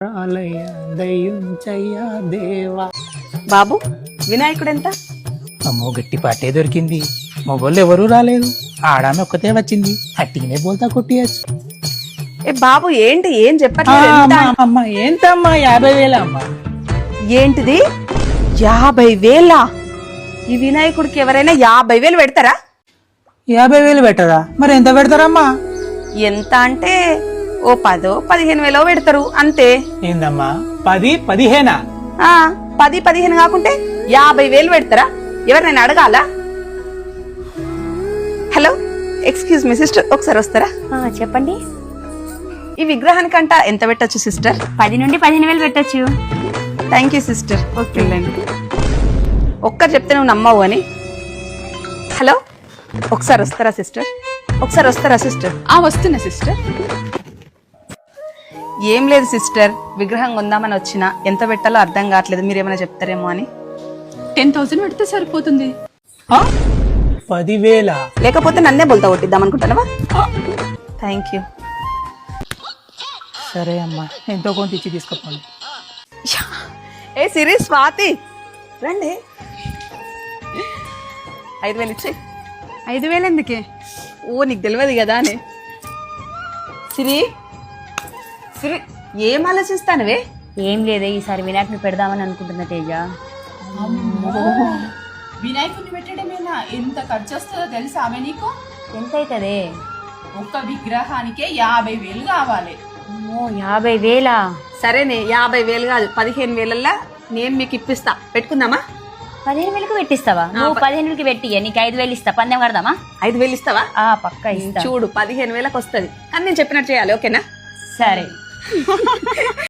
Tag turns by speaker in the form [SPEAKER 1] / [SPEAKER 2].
[SPEAKER 1] దయ్యుంచయ్యా దేవా.
[SPEAKER 2] బాబు వినాయకుడు ఎంత?
[SPEAKER 1] అమ్మో గట్టి పాటే దొరికింది. మొగోళ్ళు ఎవరూ రాలేదు, ఆడామె ఒక్కతే వచ్చింది. అట్టిగానే బోల్తా కొట్టియచ్చు.
[SPEAKER 2] ఏ బాబు ఏంటి ఏం చెప్పట్లేదు? ఎంత?
[SPEAKER 1] అమ్మ ఏంటమ్మా 50,000 అమ్మా?
[SPEAKER 2] ఏంటిది 50,000? ఈ వినాయకుడికి ఎవరైనా 50,000 పెడతారా?
[SPEAKER 1] 50,000 పెట్టరా? మరి ఎంత పెడతారమ్మా?
[SPEAKER 2] ఎంత అంటే ఓ 10-15 పెడతారు అంతే.
[SPEAKER 1] ఏందమ్మా 10-15?
[SPEAKER 2] 10-15 కాకుంటే 50,000 పెడతారా? ఎవరినైనా అడగాలా? హలో ఎక్స్క్యూజ్ మీ సిస్టర్, ఒకసారి వస్తారా?
[SPEAKER 3] చెప్పండి.
[SPEAKER 2] ఈ విగ్రహానికంట ఎంత పెట్టచ్చు సిస్టర్?
[SPEAKER 3] 10 నుండి 15,000 పెట్టచ్చు.
[SPEAKER 2] Thank you sister. ఓకే ఒక్కరు చెప్తే నువ్వు నమ్మవు అని. హలో ఒకసారి వస్తారా సిస్టర్? ఒకసారి వస్తారా సిస్టర్?
[SPEAKER 4] వస్తున్నా సిస్టర్.
[SPEAKER 2] ఏం లేదు సిస్టర్, విగ్రహం కొందామని వచ్చిన, ఎంత పెట్టాలో అర్థం కావట్లేదు, మీరేమైనా చెప్తారేమో అని.
[SPEAKER 4] 10,000 పెడితే సరిపోతుంది.
[SPEAKER 1] 10,000?
[SPEAKER 2] లేకపోతే నన్నే బోల్తా కొట్టిద్దాం అనుకుంటానవా? Thank you.
[SPEAKER 1] సరే అమ్మా, ఎంతో కొంత ఇచ్చి తీసుకుపోండి.
[SPEAKER 2] ఏ సిరి స్వాతి రండి. 5,000 ఇచ్చి.
[SPEAKER 4] 5,000 ఎందుకే?
[SPEAKER 2] ఓ నీకు తెలియదు కదా అని. సిరి సిరి ఏం ఆలోచిస్తానవే?
[SPEAKER 3] ఏం లేదే, ఈసారి వినాయకుని పెడదామని అనుకుంటున్నా తేజ.
[SPEAKER 4] వినాయకుడిని పెట్టడమేనా? ఎంత ఖర్చు వస్తుందో తెలుసా ఆమె నీకు?
[SPEAKER 3] ఎంత అవుతుందే?
[SPEAKER 4] ఒక్క విగ్రహానికే 50,000 కావాలి.
[SPEAKER 3] 50,000?
[SPEAKER 2] సరేనే 50,000 కాదు 15,000 నేను మీకు ఇప్పిస్తా, పెట్టుకుందామా?
[SPEAKER 3] 15,000కి పెట్టిస్తావా? నువ్వు 15,000కి పెట్టి నీకు 5,000 ఇస్తా. పందెం కడదామా?
[SPEAKER 2] 5,000 ఇస్తావా?
[SPEAKER 3] పక్కా ఇస్తా.
[SPEAKER 2] చూడు 15,000కి వస్తుంది, కానీ నేను చెప్పినట్టు చేయాలి, ఓకేనా?
[SPEAKER 3] సరే.